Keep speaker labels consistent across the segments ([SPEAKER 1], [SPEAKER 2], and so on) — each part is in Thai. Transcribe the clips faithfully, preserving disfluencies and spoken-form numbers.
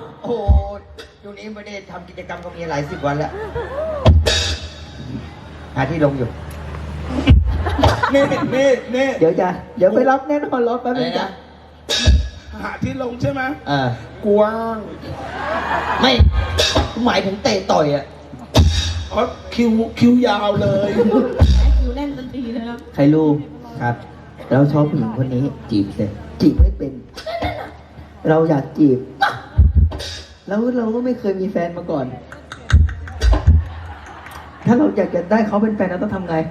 [SPEAKER 1] โอ้ช่วงนี้ไม่ได้ทำกิจกรรมก็มีหลายสิบวันแล้วหาที่ลงอยู่นี่นี่นี่เดี๋ยวจะเดี๋ยวไปรับแน่นอนรอแป๊บนึงจ้ะ
[SPEAKER 2] หาที่ลงใช่ไหม
[SPEAKER 1] เออก
[SPEAKER 2] ว้าง
[SPEAKER 1] ไม่หมายถึงเตะต่อยอ่ะ
[SPEAKER 2] อ๋อคิวคิวยาวเลย
[SPEAKER 3] คิวแน่นทันทีเลยครับ
[SPEAKER 1] ใครรู้ครับเราชอบผู้หญิงคนนี้จีบเลยจีบไม่เป็น เราอยากจีบแล้วเราก็ไม่เคยมีแฟนมาก่อน ถ้าเราอยากจะได้เขาเป็นแฟนเราต้องทำไง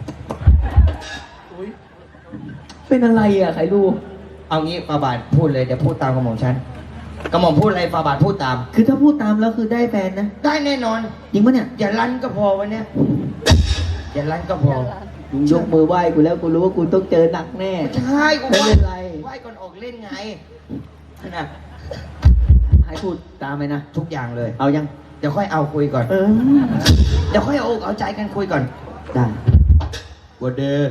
[SPEAKER 1] เป็นอะไรอ่ะใครรู้เอางี้ฟาบาทพูดเลยเดี๋ยวพูดตามกระหม่อมฉันกระหม่อมพูดอะไรฟาบาทพูดตามคือถ้าพูดตามแล้วคือได้แฟนนะได้แน่นอนจริงปะเนี่ยอย่าลั่นก็พอวันเนี้ยอย่าลั่นก็พอยกมือไหว้กูแล้วกูรู้ว่ากูต้องเจอหนักแน่ใช่กูไม่เป็นไรไหว้ก่อนออกเล่นไงนะให้พูดตามไหมนะทุกอย่างเลยเอายังเดี๋ยวค่อยเอาคุยก่อนเออเดี๋ยวค่อยเอาเอาใจกันคุยก่อนได้วันเดย์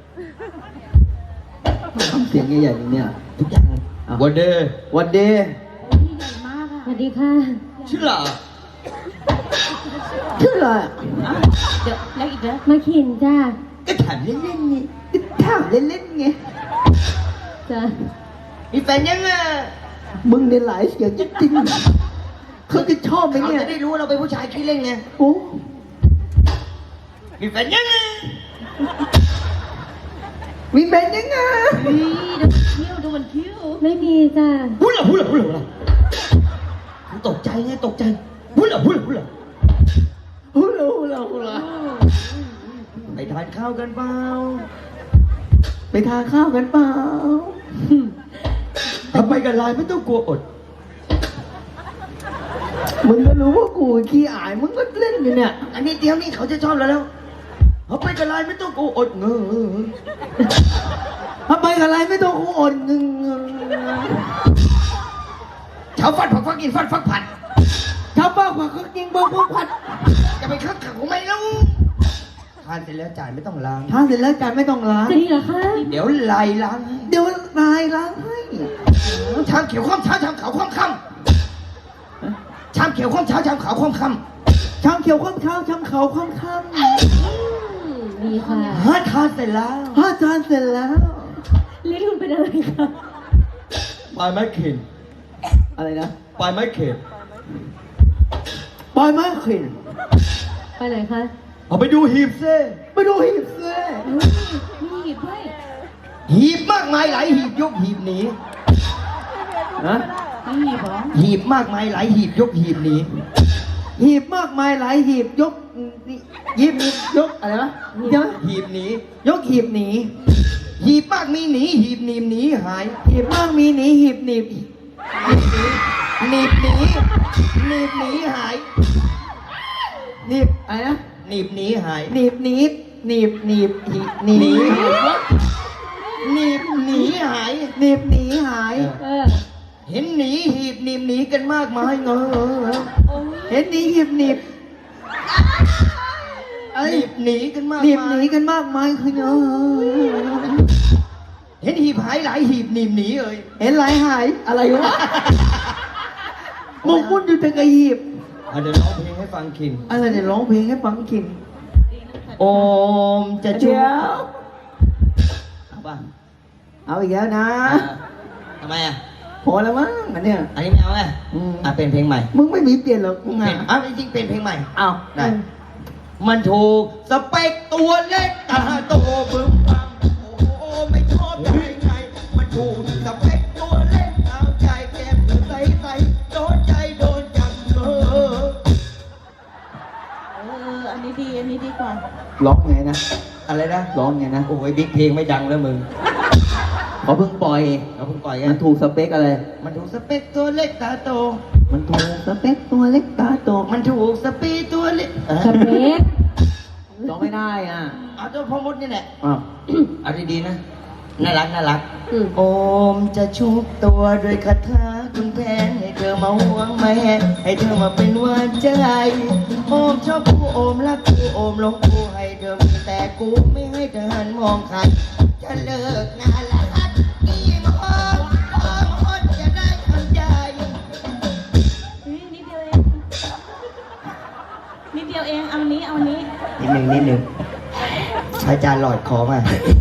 [SPEAKER 1] ทำเสียงใหญ่ๆเนี่ยทุกอย่างวันเดย์วันเดย์
[SPEAKER 3] ใหญ่มากค่ะ
[SPEAKER 4] สวัสดีค่ะ
[SPEAKER 1] ชื่ออะไรชื่ออะไร
[SPEAKER 3] เดี๋ยวแล้วอีกแล้ว
[SPEAKER 4] มาขินจ้า
[SPEAKER 1] ก็ถามเล่นๆไงก็ถามเล่นๆไง
[SPEAKER 4] จ้า
[SPEAKER 1] มีแฟนยังอ่ะมึงเนี่ยหลายเสียงจริงๆเขาจะชอบไหมเนี่ยเขาจะได้รู้เราเป็นผู้ชายขี้เล่นไงโอ้มีแฟนยังอ่ะมีแฟนยังอ่ะ
[SPEAKER 3] ดูมันคิ้วดูมันคิ้ว
[SPEAKER 4] ไม่มีจ้า
[SPEAKER 1] พูดละพูดละพูดละตกใจไงตกใจพูดละพูดละพูดละพูดละพูดละพูดละไปทานข้าวกันเปล่าไปทานข้าวกันเปล่าทำไมกันลายไม่ต้องกลัวอดมึงก็รู้ว่ากูขี้อายมึงก็เล่นอยู่เนี่ยอันนี้เดี๋ยวนี้เขาจะชอบแล้วแล้วทำไมกันลายไม่ต้องกลัวอดเงอทำไมกันลายไม่ต้องกลัวอดเงอชาวฟัดผักฟักกินฟัดฟักผัดชาวบ้าผักก็กินบ้าผักผัดจะไปคักขักของไม่รู้ทานเสร็จแล้วจ่ายไม่ต้องล้างทานเสร็จแล้วจ่ายไม่ต้องล้าง
[SPEAKER 4] จะดีเหรอคะ
[SPEAKER 1] เดี๋ยวลายล้างเดี๋ยวลายล้างให้ชามเขียวข้ามเช้าชามขาวข้ามค่ำชามเขียวข้ามเช้าชามขาวข้ามค่ำชามเขียวข้ามเช้าชามขาวข้ามค่ำ
[SPEAKER 4] ดีค่ะ
[SPEAKER 1] ห้าทานเสร็จแล้วห้าทานเสร็จแล้ว
[SPEAKER 4] ลิ้นคุณเป็นอะไรคะ
[SPEAKER 1] ปลายไม้เข็นอะไรนะปลายไม้เข็นปลายไม้เข็น
[SPEAKER 4] ไปไหนคะ
[SPEAKER 1] เอาไปดูหีบเซ่ไปดูหีบเซ่
[SPEAKER 3] มีหีบด้วย
[SPEAKER 1] หีบมากมายหลายหีบยกหีบหนีนะ
[SPEAKER 3] มีหีบเหรอ
[SPEAKER 1] หีบมากมายหลายหีบยกหีบหนีหีบมากมายหลายหีบยกหีบยกอะไรวะเดี๋ยวหีบหนียกหีบหนีหีบมากมีหนีหีบหนีบหนีหายหีบมากมีหนีหีบหนีบหนีบหนีหนีบหนีหายหนีบอะไรนะหนีบหนีหายหนีบหนีบหนีบหนีบหนีบหนีบหนีบหนีหายหนีบหนีหายเห็นหนีหีบหนีบหนีกันมากมายเงอเห็นหนีหีบหนีบหนีบหนีกันมากหนีบหนีกันมากมายคือเงอเห็นหีบหายหลายหีบหนีบหนีเอ่ยเห็นหลายหายอะไรวะหมกมุ่นอยู่แต่กับหีบเดี๋ยวร้องเพลงให้ฟังคินอะไรเดี๋ยวร้องเพลงให้ฟังคินโอมจะช่วยเอาป่ะเอาอีกแล้วนะทำไมอ่ะพอแล้วมั้งอันเนี้ยอันนี้ไม่เอาไงอ่ะเป็นเพลงใหม่มึงไม่มีเปลี่ยนหรอกมึงอ่ะอ่ะจริงๆเป็นเพลงใหม่เอาได้มันถูกสเปคตัวเล็กตาโตบึ้มบังโอ้ไม่ชอบใจไงมันถูกสเปคตัวเล็กเอาใจแก้มใสใสโดนใจโดนจังเออ
[SPEAKER 3] เอออันนี้ดีอันนี้ดีกว่า
[SPEAKER 1] ร้องไงนะอะไรนะร้องไงนะโอ้ยบิ๊กเพลงไม่ดังแล้วมึงเขาเพิ่งปล่อยเขาเพิ่งปล่อยไงมันถูกสเปคอะไรมันถูกสเปคตัวเล็กตาโตมันถูกสเปคตัวเล็กตาโตมันถูกสปีตัวเล็ก
[SPEAKER 4] สเปค
[SPEAKER 1] ร้องไม่ได้อ่ะเอาตัวพ่อมดนี่แหละอ้าวเอาดีๆนะน่ารักน่ารักโอมจะชุบตัวด้วยคาถาคุณแผนให้เธอมาห่วงแม่ให้เธอมาเป็นหวานใจโอมชอบกูโอมรักกูโอมหลงกูให้เธอมีแต่กูไม่ให้เธอหันมองใครจะเลิกงานละฮัดกี่โมงโอมอดจะได้ทำใจนึ่งนิดหนึ่งอาจารย์หลอดคอมา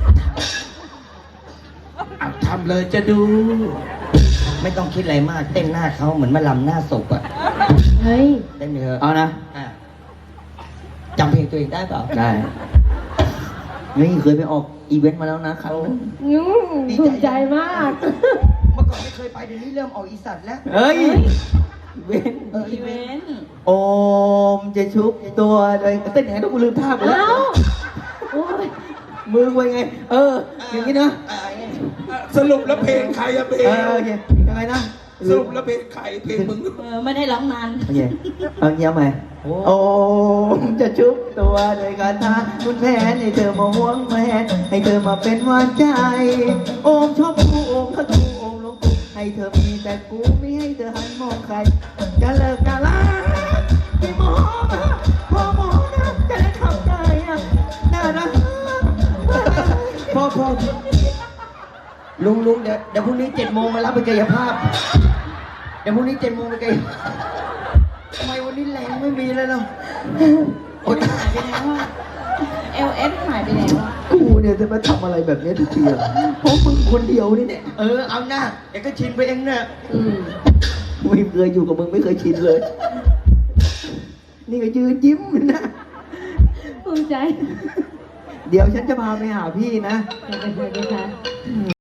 [SPEAKER 2] เอาทำเลยจะดู
[SPEAKER 1] ไม่ต้องคิดอะไรมากเต้นหน้าเขาเหมือนมาลำหน้าศพอะ
[SPEAKER 4] เฮ้ย
[SPEAKER 1] เต้นเถอะ
[SPEAKER 5] เอานะ
[SPEAKER 1] อ่ะจำเพลงตัวเองได้เปล่า
[SPEAKER 5] ได้นี่เคยไปออกอีเวนต์มาแล้วนะครั้งนึง
[SPEAKER 4] อืมภูมิใจมาก
[SPEAKER 1] เมื่อก่อนไม่เคยไปเดี๋ยวนี้เริ่มออกอีสัตว์แล้ว
[SPEAKER 5] เฮ้ย
[SPEAKER 1] เว้นเออ
[SPEAKER 3] อีเวนต์
[SPEAKER 5] โอมจะชุบตัวเลยเต้นยังไงต้องกูลืมท่าไปแล้ว
[SPEAKER 4] เอ้า โอ้ย
[SPEAKER 5] มือไว้ไง เออ อย่างนี้นะ
[SPEAKER 1] อ่ะ
[SPEAKER 2] สรุปแล้วเพลงใครอะเพล
[SPEAKER 5] เอง อโอเคยังไงนะ
[SPEAKER 2] สรุปแล้วเพลงใครเพลงมึง
[SPEAKER 3] เออไม่ได้ร้องนาน
[SPEAKER 5] โอเคเอาเงี้ยไหมโอมจะชุบตัวโดยการทาคุณแผนให้เธอมาห่วงแหวนให้เธอมาเป็นหวานใจ โอมชอบกูโอมถ้ากูโอมลงกูให้เธอมีแต่กูไม่ให้เธอหันมองใครจะเลิกกันละพี่หมอนะพอหมอนะจะได้เข้าใจอ่ะน่ารักพอพอ
[SPEAKER 1] ลุงลุงเดี๋ยวเดี๋ยวพรุ่งนี้เจ็ดโมงมารับไปกายภาพ เดี๋ยวพรุ่งนี้เจ็ดโมงไปกายภาพทำไมวันนี้แรงไม่มีเลยเนาะ
[SPEAKER 3] โอ้ยหายไปแล้วอะเอลเอสหายไปแล้วอะ
[SPEAKER 5] กูเนี่ยจะมาทำอะไรแบบนี้ทุกทีอ่ะเพราะมึงคนเดียวนี่เนี่ย
[SPEAKER 1] เออเอาหน้าเดี๋ยวก็ชินไปเองเนี่ย
[SPEAKER 4] อืม
[SPEAKER 5] ไม่เคยอยู่กับมึงไม่เคยชินเลย นี่ก็ยืนยิ้มนะ
[SPEAKER 4] ภูมิใจ
[SPEAKER 5] เดี๋ยวฉันจะพาไปหาพี่นะ
[SPEAKER 4] ไปไปไปค่ะ